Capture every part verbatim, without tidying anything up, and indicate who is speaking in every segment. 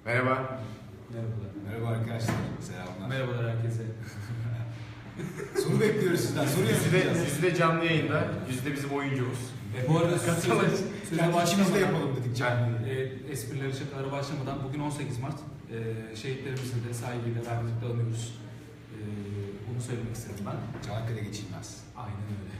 Speaker 1: Merhaba.
Speaker 2: Merhabalar.
Speaker 3: Merhaba arkadaşlar. Selamlar.
Speaker 2: Merhabalar herkese.
Speaker 3: Soru bekliyoruz sizden. Soru
Speaker 1: Yüzde,
Speaker 3: yazacağız.
Speaker 1: yüzde canlı yayında, yüzde bizim oyuncumuz.
Speaker 2: E, bu arada söze, söze
Speaker 3: Yani içimizde
Speaker 2: başlamadan,
Speaker 3: yapalım dedik canlı.
Speaker 2: e, esprileri şakalara başlamadan bugün on sekiz Mart. E, şehitlerimizi de saygıyla rahmetle anıyoruz. E, bunu söylemek istedim ben.
Speaker 3: Çanakkale geçilmez.
Speaker 2: Aynen öyle.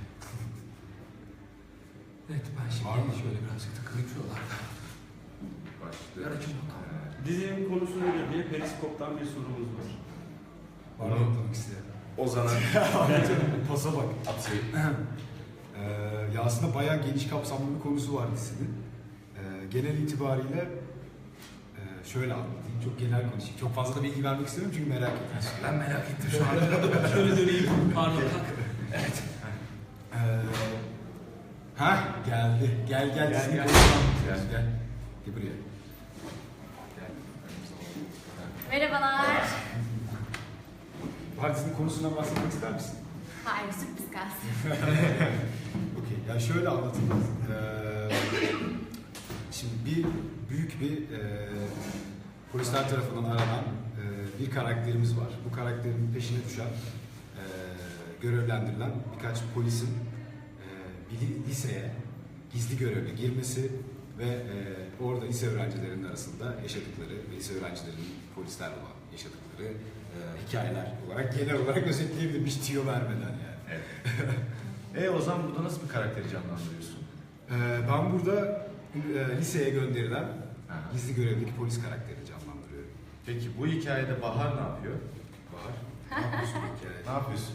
Speaker 2: Evet ben şimdi
Speaker 3: Var mı?
Speaker 2: şöyle birazcık takılayım şuralarda.
Speaker 1: Başlıyor.
Speaker 2: Ver açın bakalım.
Speaker 4: Dizinin konusu nedir diye Periskop'tan bir sorumuz var.
Speaker 3: Var mı yapmak isteyen?
Speaker 1: Ozan'a
Speaker 3: Pasa bak.
Speaker 1: atayım.
Speaker 3: Ee, ya aslında bayağı geniş kapsamlı bir konusu var dizinin. Ee, genel itibariyle e, şöyle anlatayım. Çok genel konuşayım. Çok fazla da bilgi vermek istemiyorum çünkü merak ettim.
Speaker 2: Ben merak ettim şu anda. Şöyle döneyim. Pardon kalk. Evet.
Speaker 3: Ee, ha geldi. Gel gel.
Speaker 2: Gel,
Speaker 3: dizinin
Speaker 2: gel.
Speaker 3: konusunu anlatıyoruz. Gel. Gel buraya. Gel.
Speaker 5: Merhabalar.
Speaker 3: Partinin konusundan bahsetmek ister misin?
Speaker 5: Hayır, sürpriz kalsın.
Speaker 3: Okey. Ya şöyle anlatayım. Ee, şimdi bir büyük bir e, polisler tarafından aranan e, bir karakterimiz var. Bu karakterin peşine düşen, e, görevlendirilen birkaç polisin e, bir li- liseye gizli görevle girmesi ve e, orada lise öğrencilerinin arasında yaşadıkları ve lise öğrencilerinin polislerle olan yaşadıkları e, hikayeler olarak genel olarak özetleyebilirim. Hiç tüyo vermeden yani.
Speaker 1: Evet. e Ozan burada nasıl bir karakteri canlandırıyorsun?
Speaker 3: Ee, ben burada e, liseye gönderilen
Speaker 1: Aha.
Speaker 3: gizli görevdeki polis karakterini canlandırıyorum.
Speaker 1: Peki bu hikayede Bahar ne yapıyor?
Speaker 3: Bahar, ne yapıyorsun bu hikayede?
Speaker 1: Ne yapıyorsun?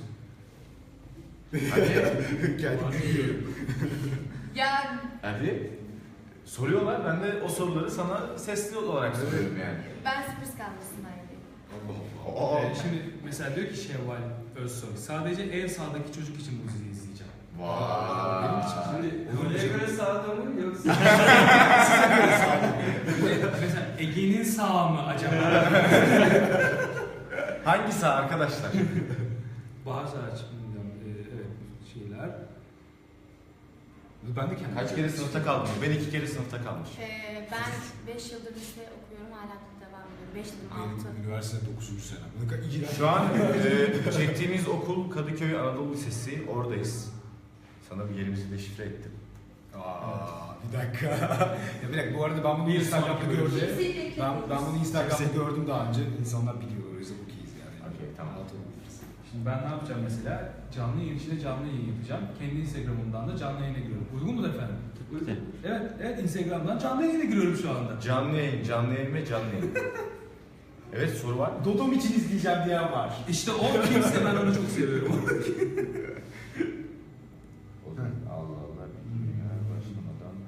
Speaker 1: Hadi.
Speaker 3: Hikayede gülüyorum.
Speaker 5: Ya
Speaker 1: Hadi. Soruyorlar, ben de o soruları sana sesli olarak soruyorum yani.
Speaker 5: ben sürpriz kalmasındayım.
Speaker 1: Allah Allah.
Speaker 2: Ee, şimdi mesela diyor ki Şevval Özsoy, sadece en sağdaki çocuk için bu diziyi izleyeceğim.
Speaker 1: Vay.
Speaker 3: Benim için.
Speaker 4: Şimdi konuya göre sağda mı yoksa?
Speaker 2: Mesela Ege'nin sağı mı acaba?
Speaker 1: Hangisi arkadaşlar?
Speaker 2: Bahar Saraç, bilmiyorum. Ee, evet, şeyler.
Speaker 3: Ben de kendim.
Speaker 1: Kaç kere sınıfta kaldın? Ben iki kere sınıfta kalmış.
Speaker 5: Ee, ben beş yıldır lise okuyorum, hala devam ediyorum. beş dedim, altı.
Speaker 3: Benim üniversite dokuzuncu sene. Ne kadar iğrenç.
Speaker 1: Şu an e, çektiğimiz okul Kadıköy Anadolu Lisesi, oradayız. Sana bir yerimizi deşifre ettim.
Speaker 3: Aa, bir dakika. ya bir dakika, bu arada ben bunu
Speaker 2: Bir
Speaker 3: Instagram'da
Speaker 2: sonraki
Speaker 3: gördüm.
Speaker 5: bölümde.
Speaker 3: Ben, ben bunu Instagram'da gördüm daha önce. İnsanlar biliyorlar, o yüzden okeyiz yani.
Speaker 1: Okey, tamam.
Speaker 3: Rahat olabiliriz.
Speaker 2: Şimdi ben ne yapacağım mesela? Canlı yayın içinde canlı yayın yapacağım. Kendi Instagram'ımdan da canlı yayına giriyorum. Uygun mudur efendim? Evet, evet Instagram'dan canlı yayına giriyorum şu anda.
Speaker 1: Canlı yayın, canlı yayın ve canlı yayın. Evet, soru var mı?
Speaker 3: Dodom için izleyeceğim diyen var.
Speaker 2: İşte o kimse, ben onu çok seviyorum.
Speaker 1: Allah Allah, bilmiyorum başlamadan.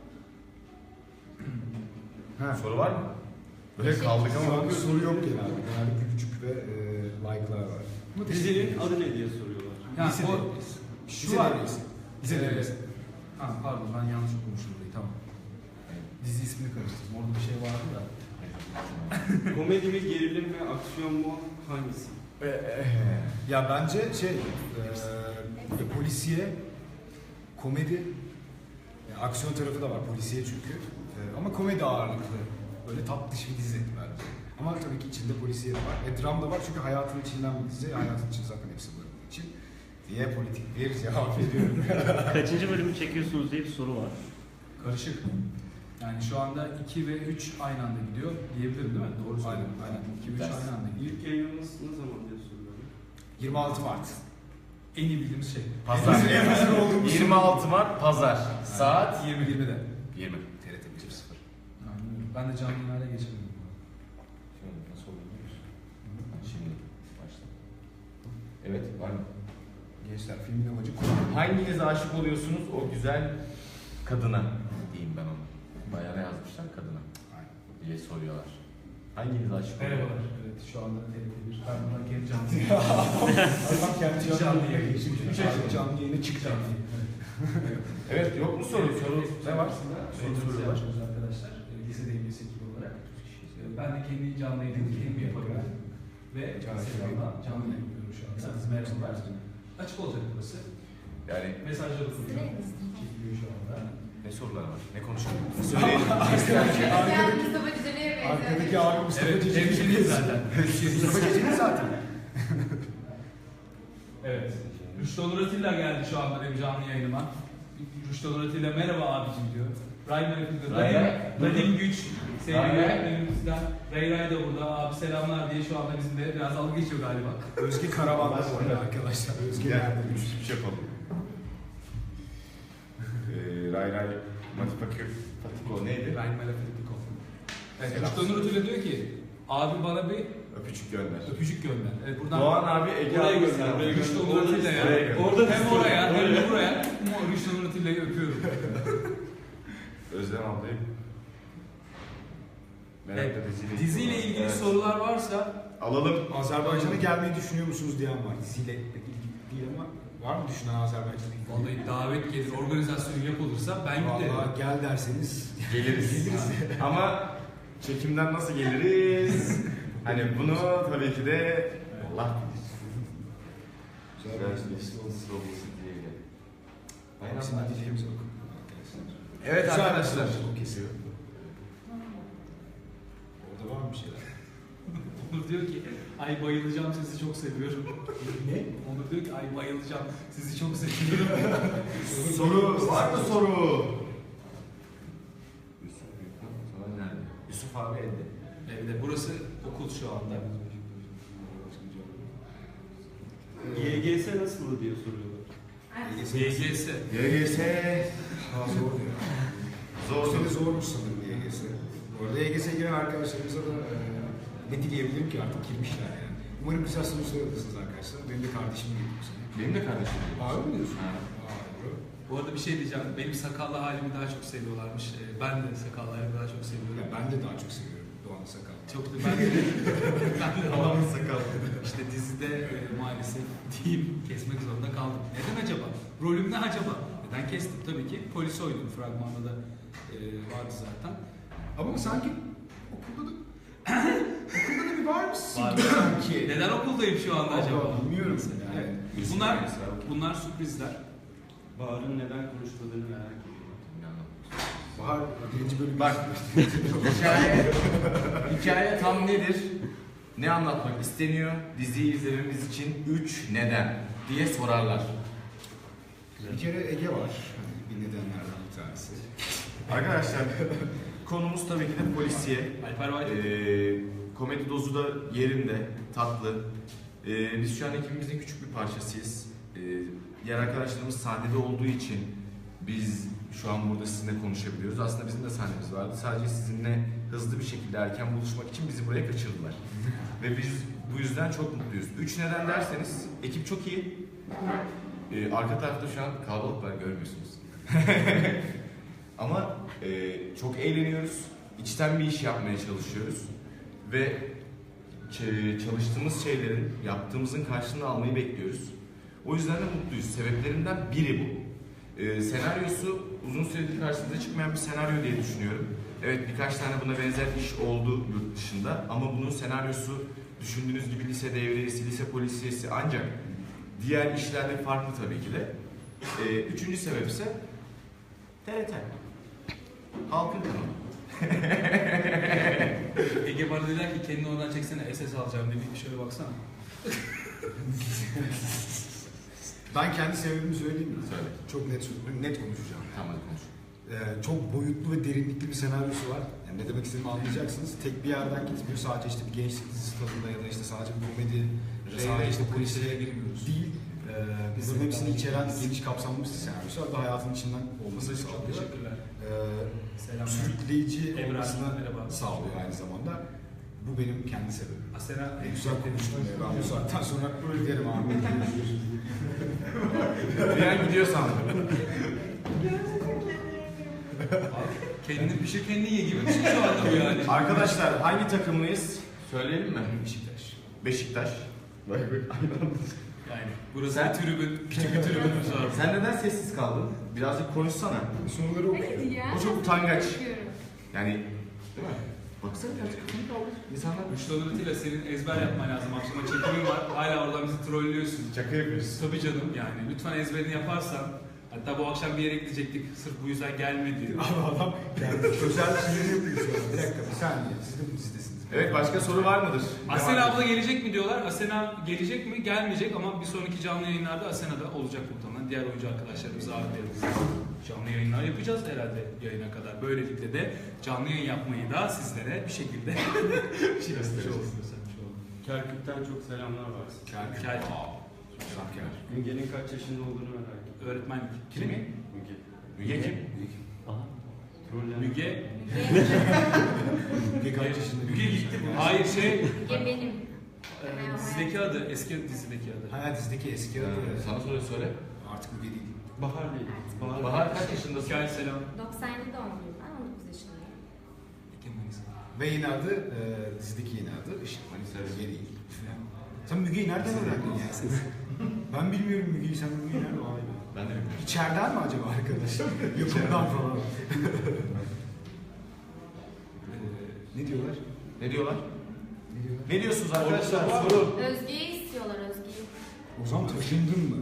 Speaker 3: Ha.
Speaker 1: Soru var mı? Böyle kaldık
Speaker 3: Şu
Speaker 1: ama.
Speaker 3: an bir soru yok genelde. Genelde gülücük ve e, like'lar var.
Speaker 4: Dizinin adı ne diye soruyorlar.
Speaker 2: Yani
Speaker 3: Lisede-
Speaker 2: o, şu
Speaker 3: Lise
Speaker 2: var.
Speaker 3: devresi. Lise
Speaker 2: Ee,
Speaker 3: devresi.
Speaker 2: Ha, pardon ben yanlış okumuşum burayı, tamam. Dizi ismini karıştırdım. Orada bir şey vardı da.
Speaker 4: Komedi mi, gerilim mi, aksiyon mu, hangisi?
Speaker 3: Ya bence şey, e, polisiye, komedi, yani aksiyon tarafı da var polisiye çünkü. E, ama komedi ağırlıklı, böyle tatlış bir dizi bence. Ama tabii ki içinde polisiye de var. E, dram da var çünkü hayatın içinden bir dizi. Hayatın içinde zaten hepsi barındığı için. Diye politik bir cevap veriyorum.
Speaker 6: Kaçıncı bölümü çekiyorsunuz diye bir soru var.
Speaker 2: Karışık. Yani şu anda iki ve üç aynı anda gidiyor diyebilirim değil mi? Doğru söyledim.
Speaker 3: Aynen, aynen.
Speaker 2: iki ve üç aynı anda gidiyor.
Speaker 4: İlk yayınımız ne zaman diye soruyorlar.
Speaker 3: yirmi altı Mart.
Speaker 2: En iyi bildiğimiz şey.
Speaker 1: Pazar.
Speaker 3: En hazır olduğumuz
Speaker 1: yirmi altı Mart Pazar. Saat
Speaker 2: yirmi yirmide.
Speaker 1: yirmi.
Speaker 3: T R T bir sıfır.
Speaker 2: Aynen öyle. Ben de canlı yayınlara geçemedim.
Speaker 1: Şöyle nasıl olur biliyor musun? Şimdi başla. Evet, var mı?
Speaker 3: Gençler filmin amacı konu.
Speaker 1: Hanginiz aşık oluyorsunuz o güzel kadına diyeyim ben onu. Bayana yazmışlar kadına
Speaker 3: Aynen.
Speaker 1: diye soruyorlar. Hanginiz aşık
Speaker 2: Merhabalar.
Speaker 1: oluyorsunuz?
Speaker 2: Evet şu anda T R T bir. Ben bundan kendi canlı
Speaker 3: Adam kendi
Speaker 2: Canlı
Speaker 3: canlı
Speaker 2: yayın.
Speaker 3: yayını. Şimdi üç ay canlı yayına çıkacağım.
Speaker 1: Evet, yok mu soru? Soru ne var?
Speaker 2: Soru soruyorlar arkadaşlar. E, Lise devlesi ekibi olarak. E, Ben de kendi canlı yayını kendim yaparım. Ve Instagram'dan canlı yayın yapıyorum şu anda. Merhabalar. Açık olacak burası.
Speaker 1: Yani
Speaker 2: Mesajları okuyorum.
Speaker 5: Sırayız.
Speaker 2: Çekiliyor şu anda.
Speaker 1: Ne sorular var? Ne konuşalım? Söyleyelim.
Speaker 5: Yani Mustafa Ciceli'ye benziyor.
Speaker 3: Arkadaki abi Mustafa
Speaker 2: Evet,
Speaker 3: Cicili.
Speaker 2: hemşeriyiz zaten.
Speaker 3: Mustafa Cicili zaten.
Speaker 2: Evet. Rüştü Onur Atilla geldi şu anda benim canlı yayınıma. Rüştü Onur Atilla merhaba abicim diyor. Ray Merhaba.
Speaker 1: Ray Ray.
Speaker 2: Radim Güç. Sevgili
Speaker 1: Ray Ray.
Speaker 2: öğretmenimizden. Ray Ray de burada. Abi selamlar diye şu anda bizimle biraz dalga geçiyor galiba.
Speaker 3: Özge Karavan'da bu arada arkadaşlar. Özge
Speaker 1: Gel.
Speaker 3: nerede?
Speaker 1: Bir şey yapalım. Ee, Ray Ray Matipakı Fatiko neydi?
Speaker 2: Ray Merhaba. Evet,
Speaker 1: Selam.
Speaker 2: Rüştü Onur Atilla diyor ki abi bana bir
Speaker 1: Öpücük gönder.
Speaker 2: öpücük gönder. Evet, buradan
Speaker 1: Doğan abi Ege
Speaker 4: Oraya
Speaker 1: abi
Speaker 4: gönder,
Speaker 1: selam.
Speaker 4: oraya
Speaker 2: Rüştü
Speaker 4: gönder.
Speaker 2: Onur
Speaker 4: Orada
Speaker 2: Atilla
Speaker 1: oraya
Speaker 2: ya.
Speaker 1: gönder.
Speaker 4: Orada
Speaker 2: Hem oraya hem
Speaker 4: Oraya.
Speaker 2: de buraya. Ama Rüştü Onur Atilla'yı öpüyorum.
Speaker 1: Özlem ablayı.
Speaker 2: Evet,
Speaker 1: Merakla diziyle,
Speaker 2: diziyle ilgili
Speaker 1: Evet.
Speaker 2: sorular varsa
Speaker 1: Alalım.
Speaker 3: Azerbaycan'a gelmeyi düşünüyor musunuz diyen var. Diziyle ilgili değil ama var mı düşünen Azerbaycan'a ilgili?
Speaker 2: vallahi davet gelir, organizasyon yapılırsa ben giderim.
Speaker 3: Vallahi gel derseniz
Speaker 1: Geliriz. Ama çekimden nasıl geliriz? Hani bunu tabii ki de Allah bilir.
Speaker 3: Hepsini dileyimiz yok.
Speaker 1: Evet
Speaker 3: Güzel
Speaker 1: arkadaşlar.
Speaker 3: O kesiyor. Orada var mı bir şeyler?
Speaker 2: Onur diyor ki ay bayılacağım sizi çok seviyorum.
Speaker 3: Ne?
Speaker 2: Onur diyor ki ay bayılacağım sizi çok seviyorum.
Speaker 1: Soru var mı soru? Yusuf Büyükhan sana nerede? Yusuf abi evde.
Speaker 2: Evde burası okul şu anda.
Speaker 4: Y G S nasıl diye soruyorlar.
Speaker 2: Y G S.
Speaker 1: Y G S
Speaker 3: Daha zor diyor.
Speaker 1: zor.
Speaker 3: Seni zormuş sanırım Y G S. Bu arada Y G S'ye giren arkadaşlarımıza da e, ne dileyebilirim ki artık girmişler yani. Umarım güzel sonuçlar alırsınız arkadaşlar. Benim de kardeşim gibi bu sene.
Speaker 1: Benim de kardeşim.
Speaker 3: Abi mi diyorsun?
Speaker 1: Ha.
Speaker 3: Aa, doğru.
Speaker 2: Bu arada bir şey diyeceğim. Benim sakallı halimi daha çok seviyorlarmış. Ee, Ben de sakallı halimi daha çok
Speaker 3: Ya
Speaker 2: seviyorum.
Speaker 3: ben de daha çok seviyorum Doğan Sakal.
Speaker 2: Çok da ben de, ben de
Speaker 1: Adamın sakalı.
Speaker 2: İşte dizide e, maalesef diyeyim kesmek zorunda kaldım. Neden acaba? Rolüm ne acaba? Neden kestim? Tabii ki polis oynadım. Fragmanda da e, vardı zaten.
Speaker 3: Ama sanki okulda da okulda da bir var mısın?
Speaker 2: Var.
Speaker 3: Sanki.
Speaker 2: Neden okuldayım şu anda acaba?
Speaker 3: Allah, bilmiyorum.
Speaker 2: Mesela.
Speaker 3: Evet.
Speaker 2: Bunlar bunlar sürprizler.
Speaker 4: Bahar'ın neden konuşmadığını merak ediyorum.
Speaker 3: Bahar birinci bölüm.
Speaker 1: Bak. Hikaye, hikaye tam nedir? Ne anlatmak isteniyor? Diziyi izlememiz için üç neden diye sorarlar.
Speaker 3: Bir kere Ege var. Hani bir nedenlerden bir tanesi.
Speaker 1: Arkadaşlar konumuz tabii ki de polisiye.
Speaker 2: Alper White.
Speaker 1: Ee, komedi dozu da yerinde, tatlı. Ee, biz şu an ekibimizin küçük bir parçasıyız. Ee, diğer arkadaşlarımız sahnede olduğu için biz şu an burada sizinle konuşabiliyoruz. Aslında bizim de sahnemiz vardı. Sadece sizinle hızlı bir şekilde erken buluşmak için bizi buraya kaçırdılar. Ve biz bu yüzden çok mutluyuz. Üç neden derseniz, ekip çok iyi. Ee, arka tarafta şu an kalabalık var, görmüyorsunuz. Ama e, çok eğleniyoruz. İçten bir iş yapmaya çalışıyoruz. Ve ç- çalıştığımız şeylerin, yaptığımızın karşılığını almayı bekliyoruz. O yüzden de mutluyuz. Sebeplerinden biri bu. Ee, senaryosu uzun süredir karşımıza çıkmayan bir senaryo diye düşünüyorum. Evet, birkaç tane buna benzer iş oldu yurt dışında ama bunun senaryosu düşündüğünüz gibi lise devriyesi, lise polisiyesi, ancak diğer işlerle farklı tabii ki de. Ee, üçüncü sebep ise T R T. Halkın kanalı.
Speaker 2: Ege bana dediler ki kendini oradan çeksene S S alacağım dedi. Şöyle baksana.
Speaker 3: Ben kendi sebebimi söyleyeyim mi?
Speaker 1: Söyle.
Speaker 3: Çok net net konuşacağım.
Speaker 1: Tamam, hadi konuş.
Speaker 3: Ee, çok boyutlu ve derinlikli bir senaryosu var. Yani ne demek istediğimi anlayacaksınız. Tek bir yerden gitmiyor. Sadece işte bir gençlik dizisi tadında ya da işte sadece bir komedi, ya da sadece işte polisiye
Speaker 2: girmiyoruz.
Speaker 3: değil. Ee, bunların hepsini içeren geniş kapsamlı bir senaryosu var ve hayatın içinden olmasını
Speaker 2: Çok
Speaker 3: sağlıyor.
Speaker 2: teşekkürler.
Speaker 3: Ee,
Speaker 2: Selamlar.
Speaker 3: sürükleyici
Speaker 2: Ebrar,
Speaker 3: olmasını
Speaker 2: merhaba.
Speaker 3: sağlıyor aynı zamanda. Bu benim kendi sebebim.
Speaker 2: Asena
Speaker 3: En güzel konuştum ya. Ben bu saatten sonra giderim abi.
Speaker 1: Bir an gidiyor sandım.
Speaker 2: kendini pişir kendini ye gibi bir şey şu anda bu yani.
Speaker 1: Arkadaşlar hangi takımlıyız? Söyleyelim mi?
Speaker 3: Beşiktaş.
Speaker 1: Beşiktaş. Vay be.
Speaker 2: Yani burası
Speaker 1: Sen-
Speaker 2: bir tribün, küçük bir tribünümüz var.
Speaker 1: Sen neden sessiz kaldın? Birazcık konuşsana.
Speaker 3: Soruları okuyor.
Speaker 5: Hayır ya.
Speaker 1: O çok utangaç.
Speaker 5: Bakıyorum.
Speaker 1: Yani değil mi? Baksana birazcık kafanı kaldır. İnsanlar
Speaker 2: Rüştü Onur'uyla senin ezber yapman lazım. Akşama çekimin var. Hala oradan bizi trollüyorsun.
Speaker 1: şaka yapıyoruz.
Speaker 2: Tabii canım yani. Lütfen ezberini yaparsan Hatta bu akşam bir yere gidecektik. Sırf bu yüzden gelmedi.
Speaker 3: Abi adam kendi özel şeyleri yapıyor şu an. Bir dakika bir saniye. Siz de bu dizidesiniz.
Speaker 1: Evet, başka soru var mıdır?
Speaker 2: Asena abla gelecek mi diyorlar. Asena gelecek mi? Gelmeyecek ama bir sonraki canlı yayınlarda Asena da olacak muhtemelen. Diğer oyuncu arkadaşlarımızı ağırlayalım. Canlı yayınlar yapacağız herhalde yayına kadar. Böylelikle de canlı yayın yapmayı da sizlere bir şekilde şey yapmış oluruz.
Speaker 4: Kerkük'ten çok selamlar var.
Speaker 3: Kerkük.
Speaker 2: Kerkük.
Speaker 3: Selam Kerkük.
Speaker 4: Müge'nin kaç yaşında olduğunu merak ettim.
Speaker 2: Öğretmenlik.
Speaker 1: Kimi?
Speaker 4: Müge.
Speaker 1: Müge kim?
Speaker 6: Aha.
Speaker 4: Troller.
Speaker 2: Müge.
Speaker 3: Müge kaç yaşında?
Speaker 2: Müge gitti. Hayır şey.
Speaker 5: Müge benim.
Speaker 2: e, dizideki adı. Eski dizideki adı.
Speaker 3: Hayat dizideki eski adı.
Speaker 1: Ee, sana soru söyle.
Speaker 3: Artık Müge değil.
Speaker 4: Bahar değil. Bahar.
Speaker 1: Bahar kaç yaşındasın?
Speaker 2: Hikaye selam.
Speaker 5: doksan yedi doğumluyum ben, on dokuz yaşındayım.
Speaker 2: Ekim Manisa.
Speaker 3: Ve yine adı, e, dizideki yine adı Işık Manisa Müge değil. Sen Müge'yi nereden öğrendin ya? Ben bilmiyorum Müge'yi, sen Müge'yi nereden öğrendin?
Speaker 1: Ben de bilmiyorum.
Speaker 3: İçeriden mi acaba arkadaş? Yapımdan falan. Ne diyorlar?
Speaker 1: Ne diyorlar?
Speaker 3: Ne diyorlar?
Speaker 1: Ne diyorsunuz arkadaşlar?
Speaker 2: Orada var.
Speaker 1: Soru.
Speaker 5: Özge'yi istiyorlar, Özge'yi.
Speaker 3: O zaman taşındın mı?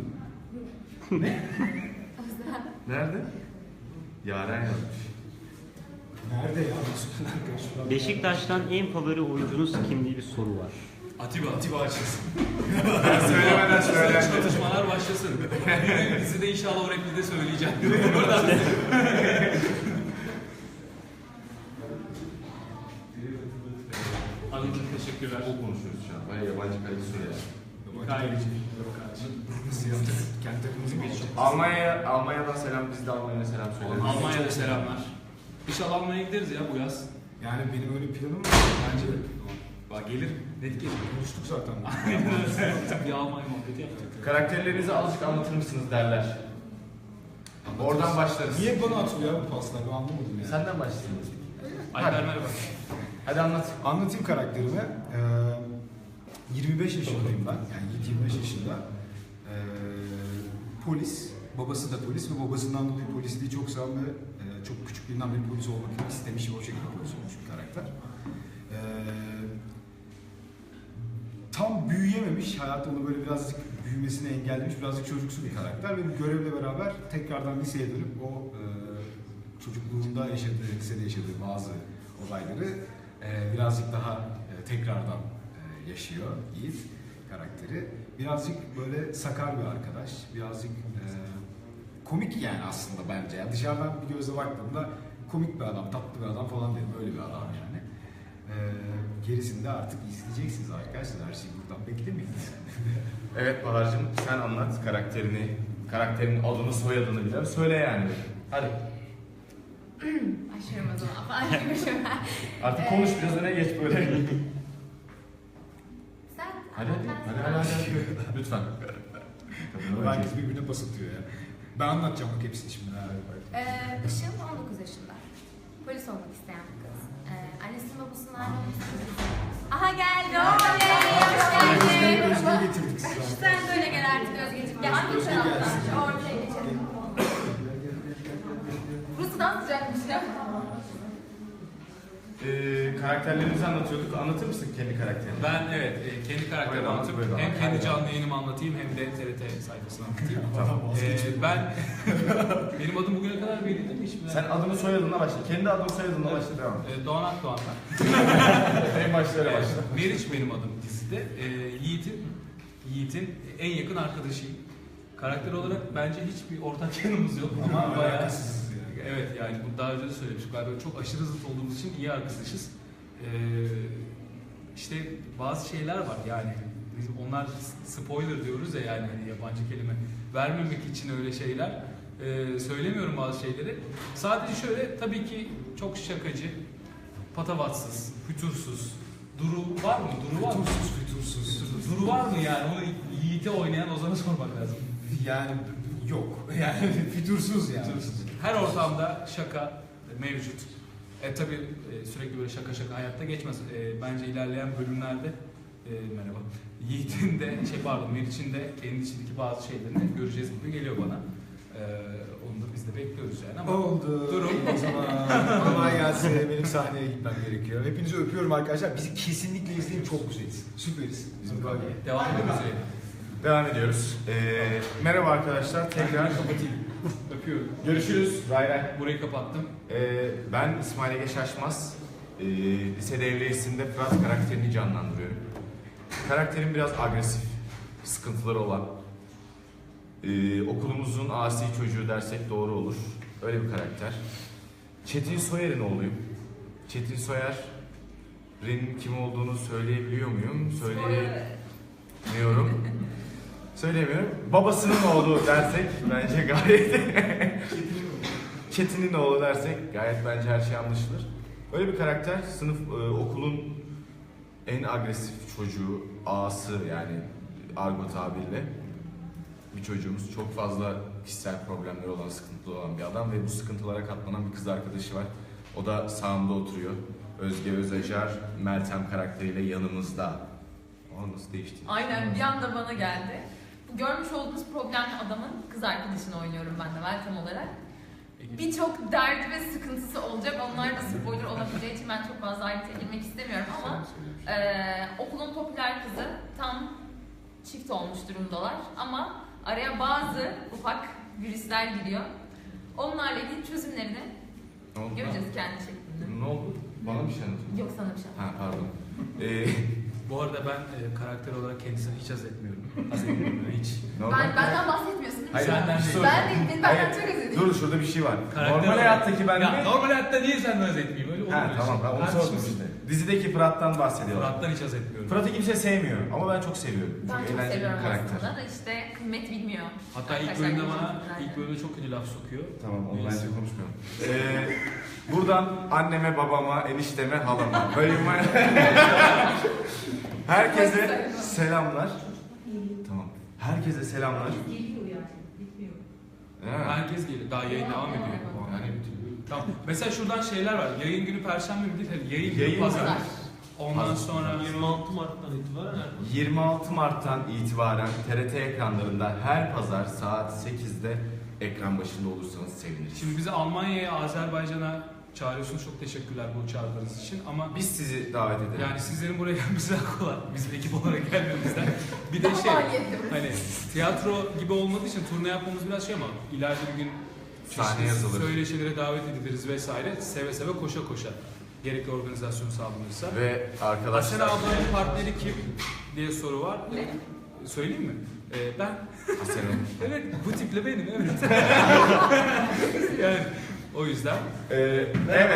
Speaker 5: Özlem.
Speaker 1: Nerede? Yaren yazmış.
Speaker 3: Nerede ya? Arkadaşlar.
Speaker 6: Beşiktaş'tan en favori oyuncunuz kim diye bir soru var.
Speaker 2: Atiba.
Speaker 3: Atiba açılsın.
Speaker 1: Söylemeden söyle.
Speaker 2: Çatışmalar başlasın. Bizi de inşallah o repliği söyleyeceğim. Buradan. Anladım, teşekkürler.
Speaker 1: O konuşuyoruz şu an. Baya yabancı kaydı soru ya.
Speaker 2: Gayet iyi.
Speaker 3: Nasıl yaptık? Kendi takımımızı mı geçeceğiz?
Speaker 1: Almanya'ya, Almanya'dan selam, biz de Almanya'ya selam söyleriz.
Speaker 2: Almanya'da selamlar. İnşallah Almanya'ya gideriz ya bu yaz.
Speaker 3: Yani benim öyle planım var. Bence de.
Speaker 2: Bak gelir. Net gelir.
Speaker 3: Konuştuk zaten.
Speaker 2: Bir Almanya muhabbeti yaptık.
Speaker 1: Karakterlerinizi azıcık anlatır mısınız derler. Oradan başlarız.
Speaker 3: Niye bana atılıyor ya bu paslar? Ben anlamadım ya.
Speaker 1: Senden başlayalım.
Speaker 2: Alper merhaba.
Speaker 1: Hadi anlat.
Speaker 3: Anlatayım karakterimi. Ee, yirmi beş yaşındayım ben. Yani yirmi beş yaşında. Ee, polis. Babası da polis ve babasından dolayı polisliği çok seven ve e, çok küçüklüğünden beri polis olmak istemiş ve o şekilde polis olmuş bir karakter. Ee, tam büyüyememiş, hayat onu böyle birazcık büyümesini engellemiş, birazcık çocuksu bir karakter ve bir görevle beraber tekrardan liseye dönüp o e, çocukluğunda yaşadığı, lisede yaşadığı bazı olayları e, birazcık daha e, tekrardan e, yaşıyor Yiğit karakteri. Birazcık böyle sakar bir arkadaş, birazcık e, komik yani aslında bence. Yani dışarıdan bir gözle baktığımda komik bir adam, tatlı bir adam falan derim, öyle bir adam yani. E, gerisini de artık izleyeceksiniz arkadaşlar, her şeyi buradan beklemeyin yani.
Speaker 1: Evet Bahar'cığım, sen anlat karakterini, karakterin adını, soyadını bile söyle yani. Hadi.
Speaker 5: Başlıyorum o zaman. Başlıyorum.
Speaker 1: Artık konuş, biraz öne geç böyle.
Speaker 5: Sen
Speaker 1: Hadi hadi,
Speaker 5: anlat,
Speaker 1: hadi
Speaker 5: ben
Speaker 1: hadi,
Speaker 5: sana-
Speaker 1: hadi. Lütfen.
Speaker 3: Herkes birbirine pas atıyor ya. Ben anlatacağım bak hepsini şimdi.
Speaker 5: Ee, Işıl on dokuz yaşında. Polis olmak isteyen bir kız. Ee, annesinin babasının ayrılması. Aha geldi. Oley! Hoş
Speaker 3: Özge'yi
Speaker 5: geldin.
Speaker 3: Özge'yi getirdik size.
Speaker 5: Sen de öyle gel artık Özgeciğim. Gel hangi taraftan? Ortaya geçelim. Burası daha sıcakmış ya.
Speaker 1: Ee, karakterlerimizi anlatıyorduk. Anlatır mısın kendi karakterini?
Speaker 2: Ben evet e, kendi karakterimi
Speaker 1: Buyurun,
Speaker 2: anlatıp
Speaker 1: buyurun.
Speaker 2: hem kendi
Speaker 1: Hadi.
Speaker 2: canlı yayınımı anlatayım hem de T R T sayfasını anlatayım.
Speaker 3: Tamam,
Speaker 2: Ee,
Speaker 3: vazgeçmiyorum.
Speaker 2: ben benim adım bugüne kadar belli değil mi? Hiç
Speaker 1: Sen adını soyadınla başla. Kendi adını soyadınla başla, devam et.
Speaker 2: Ee, Doğan Akdoğan'dan.
Speaker 1: En başta öyle başla.
Speaker 2: Ee, Meriç benim adım dizide. Ee, Yiğit'in Yiğit'in en yakın arkadaşıyım. Karakter olarak bence hiçbir ortak yanımız yok ama bayağı
Speaker 3: Alakasız yani.
Speaker 2: evet yani bunu daha önce de söylemiştik. Galiba çok aşırı zıt olduğumuz için iyi arkadaşız. Ee, işte bazı şeyler var yani biz onlar spoiler diyoruz ya yani hani yabancı kelime vermemek için öyle şeyler ee, söylemiyorum bazı şeyleri. Sadece şöyle tabii ki çok şakacı, patavatsız, fütursuz. Duru var mı? Duru var mı?
Speaker 3: Fütursuz, fütursuz.
Speaker 2: Fütursuz. Duru var mı yani? Onu Yiğit'e oynayan Ozan'a sormak lazım.
Speaker 3: Yani yok. Yani fütursuz yani.
Speaker 2: Fütursuz. Her ortamda şaka mevcut. E tabi sürekli böyle şaka şaka hayatta geçmez. E, bence ilerleyen bölümlerde e, merhaba. Yiğit'in de şey pardon Meriç'in de kendi içindeki bazı şeylerini göreceğiz gibi geliyor bana. E, onu da biz de bekliyoruz yani ama.
Speaker 3: Oldu.
Speaker 2: Durum.
Speaker 3: O zaman kolay gelsin. Benim sahneye gitmem gerekiyor. Hepinizi öpüyorum arkadaşlar. Bizi kesinlikle izleyin. Çok güzeliz. Süperiz. Bizim bölge.
Speaker 2: Devam ediyoruz.
Speaker 1: Devam ediyoruz. Ee, merhaba arkadaşlar. Tekrar kapatayım.
Speaker 2: Öpüyorum.
Speaker 1: Görüşürüz. Ray ray.
Speaker 2: Burayı kapattım.
Speaker 1: Ee, ben İsmail Ege Şaşmaz. Ee, lise devriyesinde Fırat karakterini canlandırıyorum. Karakterim biraz agresif, sıkıntıları olan. Ee, okulumuzun asi çocuğu dersek doğru olur. Öyle bir karakter. Çetin Soyer'in oğluyum. Çetin Soyer'in kim olduğunu söyleyebiliyor muyum? Söyleyemiyorum. Söyleyemiyorum. Babasının oğlu dersek bence gayet... Çetin'in oğlu dersek gayet bence her şey anlaşılır. Öyle bir karakter, sınıf e, okulun en agresif çocuğu, ağası yani argo tabirle bir çocuğumuz. Çok fazla kişisel problemleri olan, sıkıntılı olan bir adam ve bu sıkıntılara katlanan bir kız arkadaşı var. O da sağımda oturuyor. Özge Özacar, Meltem karakteriyle yanımızda. O nasıl değişti?
Speaker 7: Aynen bir anda bana geldi. Bu görmüş olduğunuz problemli adamın kız arkadaşını oynuyorum ben de Meltem olarak. Birçok derdi ve sıkıntısı olacak. Onlar da spoiler olabileceği için ben çok fazla ayrıntıya girmek istemiyorum ama e, okulun popüler kızı tam çift olmuş durumdalar ama araya bazı ufak virüsler giriyor. Onlarla ilgili çözümlerini
Speaker 1: Ne oldu?
Speaker 7: göreceğiz kendi şeklinde.
Speaker 1: Ne oldu? Bana bir şey anlatın.
Speaker 7: Yok sana bir şey.
Speaker 1: Ha pardon. Ee,
Speaker 2: Bu arada ben e, karakter olarak kendisini hiç haz etmiyorum. Haz etmiyorum hiç.
Speaker 1: ne oldu?
Speaker 7: Ben, benden bahsetmiyorsun değil mi?
Speaker 1: Hayır,
Speaker 7: şu an?
Speaker 2: senden
Speaker 1: bir şey
Speaker 2: değil.
Speaker 7: Ben değil, benim benden
Speaker 1: Hayır,
Speaker 7: çok özür dilerim.
Speaker 1: Dur şurada bir şey var.
Speaker 2: Karakter
Speaker 1: Normal
Speaker 2: olarak-
Speaker 1: hayattaki ben
Speaker 2: Ya
Speaker 1: mi?
Speaker 2: normal hayatta niye senden haz etmeyeyim? Öyle olur
Speaker 1: Ha
Speaker 2: mu?
Speaker 1: tamam ben onu
Speaker 2: Tartışmasın.
Speaker 1: sordum işte. Dizideki Fırat'tan bahsediyorlar.
Speaker 2: Fırat'tan hiç haz etmiyorum.
Speaker 1: Fırat'ı kimse sevmiyor ama ben çok seviyorum.
Speaker 7: Ben çok
Speaker 1: eğlenceli
Speaker 7: seviyorum
Speaker 1: bir karakter.
Speaker 7: aslında da işte kıymet bilmiyor.
Speaker 2: Hatta ilk
Speaker 7: Arkadaşlar
Speaker 2: bölümde bana,
Speaker 7: görüşürüz
Speaker 2: ilk bölümde çok kötü laf sokuyor.
Speaker 1: Tamam onu
Speaker 2: Neyse.
Speaker 1: bence konuşmayalım. Ee, buradan anneme, babama, enişteme, halama. Böyle herkese selamlar. Tamam. Herkese selamlar.
Speaker 8: Geliyor yani, bitmiyor.
Speaker 1: Evet.
Speaker 2: Herkes geliyor. Daha yayın devam ediyor. Yani tamam. Mesela şuradan şeyler var. Yayın günü Perşembe mi değil? Hani yayın, günü
Speaker 1: Yayın
Speaker 2: Pazar.
Speaker 7: Pazar.
Speaker 2: Ondan
Speaker 1: Pazar.
Speaker 2: sonra
Speaker 6: yirmi altı Mart'tan itibaren
Speaker 1: yirmi altı Mart'tan itibaren T R T ekranlarında her pazar saat sekizde ekran başında olursanız seviniriz.
Speaker 2: şimdi bizi Almanya'ya, Azerbaycan'a çağırıyorsunuz. Çok teşekkürler bu çağrılarınız için. Ama
Speaker 1: Biz sizi davet edelim.
Speaker 2: yani sizlerin buraya gelmesi daha kolay. Bizim ekip olarak gelmemizden. Bir de
Speaker 7: Daha
Speaker 2: şey,
Speaker 7: maliyetli.
Speaker 2: hani tiyatro gibi olmadığı için turne yapmamız biraz şey ama ileride bir gün
Speaker 1: Sahne
Speaker 2: çeşitli
Speaker 1: yazılır.
Speaker 2: söyleşilere davet ediliriz vesaire. Seve seve koşa koşa. Gerekli organizasyon sağlanırsa.
Speaker 1: Ve
Speaker 2: Asena
Speaker 1: arkadaşlar
Speaker 2: ablanın partneri kim diye soru var. Söyleyeyim mi? Ee, ben.
Speaker 1: Asena.
Speaker 2: Evet, bu tiple benim, evet. yani o yüzden.
Speaker 1: Ee, evet.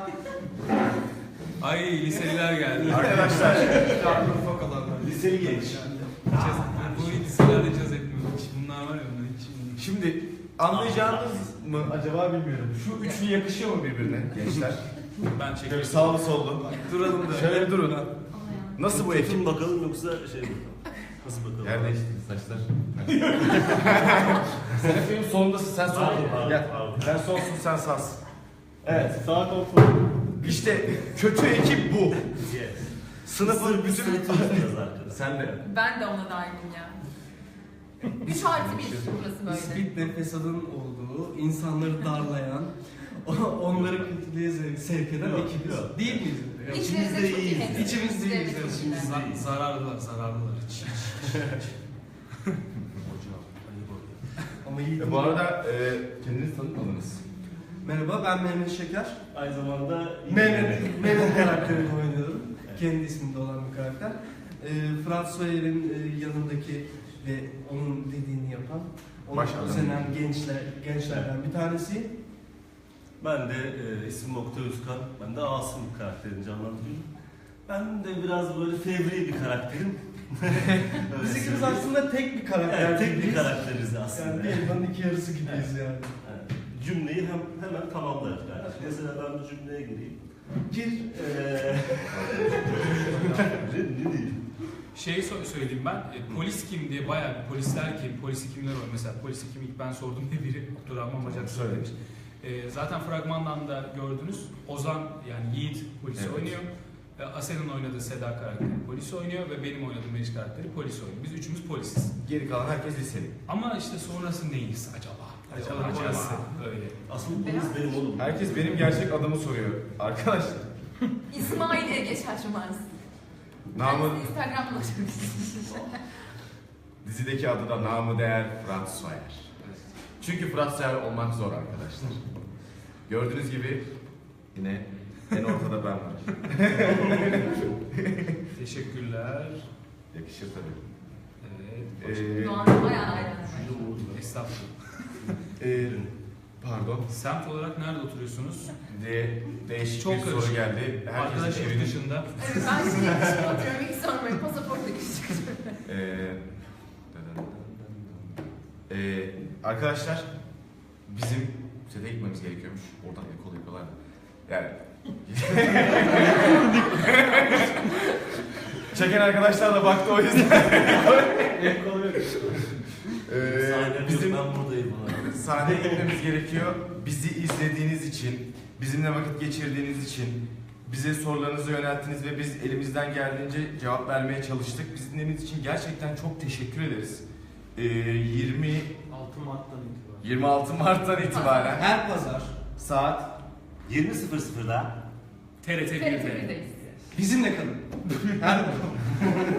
Speaker 2: Ay liseliler geldi.
Speaker 1: Arkadaşlar liseli genç.
Speaker 2: Bu liselerde caz etmiyor. Bunlar var ya onlar hiç.
Speaker 1: Şimdi anlayacağınız mı acaba bilmiyorum. Şu üçlü yakışıyor mu birbirine gençler?
Speaker 2: Ben
Speaker 1: Şöyle
Speaker 2: çekiyorum.
Speaker 1: sağlı sollu. Duralım da. Şöyle bir durun. Nasıl bu ekip?
Speaker 6: Tutun bakalım yoksa şey mi? Nasıl bakalım?
Speaker 1: Yer değişti saçlar. Sen hep benim solundasın, sen sol.
Speaker 6: Pardon, pardon,
Speaker 1: Gel.
Speaker 6: pardon.
Speaker 1: Ben solsun, sen sağsın. Evet.
Speaker 6: Sağ kontrol.
Speaker 1: İşte kötü ekip bu.
Speaker 6: Yes.
Speaker 1: Sınıfın bütün...
Speaker 6: Sırtımız arkadaşlar.
Speaker 1: Sen de.
Speaker 7: Ben de ona dahilim ya. Üç artı bir burası böyle.
Speaker 9: İspit ve fesadın olduğu, insanları darlayan, onları kötülüğe sevk- sevk eden
Speaker 6: Yok,
Speaker 9: ekibiz.
Speaker 6: yok.
Speaker 9: Değil miyiz?
Speaker 7: İçimizde çok iyi
Speaker 6: iyiyiz.
Speaker 7: temsil.
Speaker 9: İçimizde iyiyiz.
Speaker 7: İçimizde çok
Speaker 9: İçimizde
Speaker 7: iyi.
Speaker 9: iyiyiz.
Speaker 2: Zararlılar, zararlılar. Hiç, hiç, hiç.
Speaker 9: Ama iyi.
Speaker 1: E, bu arada e, kendinizi tanıtmadınız.
Speaker 9: Merhaba, ben Mehmet Şeker.
Speaker 6: Aynı zamanda
Speaker 9: Mehmet, Mehmet karakterini oynuyorum. Kendi isminde olan bir karakter. Ee, Fırat Soyer'in e, yanındaki ve onun dediğini yapan, onu
Speaker 1: Baş adam.
Speaker 9: özenen gençler, gençlerden bir tanesiyim.
Speaker 6: Ben de e, ismim Oktay Özkan. Ben de Asım karakterini canlandırıyorum. Ben de biraz böyle fevri bir karakterim. Öyle
Speaker 9: Biz ikimiz
Speaker 6: söyleyeyim.
Speaker 9: aslında tek bir karakter
Speaker 6: Evet, tek bir
Speaker 9: gibiyiz.
Speaker 6: karakteriz aslında.
Speaker 9: Yani bir elmanın iki yarısı gibiyiz yani.
Speaker 6: Evet. Cümleyi hem, hemen tamamlarız. Yani. Mesela ben bir cümleye gireyim.
Speaker 9: Gir.
Speaker 6: Eee... ne diyeyim?
Speaker 2: Şeyi so- söyleyeyim ben. E, polis kim diye bayağı bir polisler kim, polisi kimler var. Mesela polisi kim ilk ben sordum diye biri Abdurrahman Bacak söylemiş. E, zaten fragmandan da gördünüz. Ozan yani Yiğit polisi
Speaker 1: Evet.
Speaker 2: oynuyor. E, Asen'in oynadığı Seda karakteri polis oynuyor ve benim oynadığım Meriç karakteri polis oynuyor. Biz üçümüz polisiz.
Speaker 1: Geri kalan herkes liseli.
Speaker 2: Ama işte sonrası neyiz acaba?
Speaker 1: Acaba,
Speaker 2: Acaba.
Speaker 1: acaba.
Speaker 2: Öyle.
Speaker 6: Asıl polis benim oğlum.
Speaker 1: Herkes benim gerçek adımı soruyor. Arkadaşlar.
Speaker 7: İsmail Ege Şaşmaz.
Speaker 1: Namı,
Speaker 7: Ben size Instagram'da ulaşabilirsiniz.
Speaker 1: dizideki adı da namı değer Fırat Soyer. Çünkü Fırat Soyer olmak zor arkadaşlar. Gördüğünüz gibi yine en ortada ben varım.
Speaker 2: Teşekkürler.
Speaker 1: Yakışır tabii.
Speaker 2: Evet.
Speaker 1: Ee,
Speaker 7: Doğan'da bayağı hayranım.
Speaker 2: Estağfurullah.
Speaker 1: e, pardon.
Speaker 2: Semt olarak nerede oturuyorsunuz?
Speaker 1: De, değişik
Speaker 2: Çok
Speaker 1: bir soru
Speaker 2: karışık.
Speaker 1: geldi. Herkesin
Speaker 2: Arkadaşlar
Speaker 1: evinin-
Speaker 2: dışında.
Speaker 7: Evet, ben şimdi dışına oturuyorum. İlk sormayı pasaportla küçük.
Speaker 1: Ee, ee, arkadaşlar bizim sete gitmemiz gerekiyormuş. Oradan ekol yapıyorlar. Yani çeken arkadaşlar da baktı o yüzden. ee,
Speaker 6: Sahne
Speaker 1: bizim
Speaker 6: yok, ben buradayım. abi.
Speaker 1: sahneye gitmemiz gerekiyor. Bizi izlediğiniz için, bizimle vakit geçirdiğiniz için, bize sorularınızı yönelttiniz ve biz elimizden geldiğince cevap vermeye çalıştık. Bizi dinlediğiniz için gerçekten çok teşekkür ederiz. Ee, yirmi
Speaker 9: altı Mart'tan itibaren.
Speaker 1: yirmi altı Mart'tan itibaren
Speaker 9: Her pazar
Speaker 1: saat
Speaker 6: yirmi sıfır sıfırda
Speaker 2: T R T
Speaker 7: T R T
Speaker 2: bir'de.
Speaker 7: bir'deyiz.
Speaker 9: bizimle kalın. Her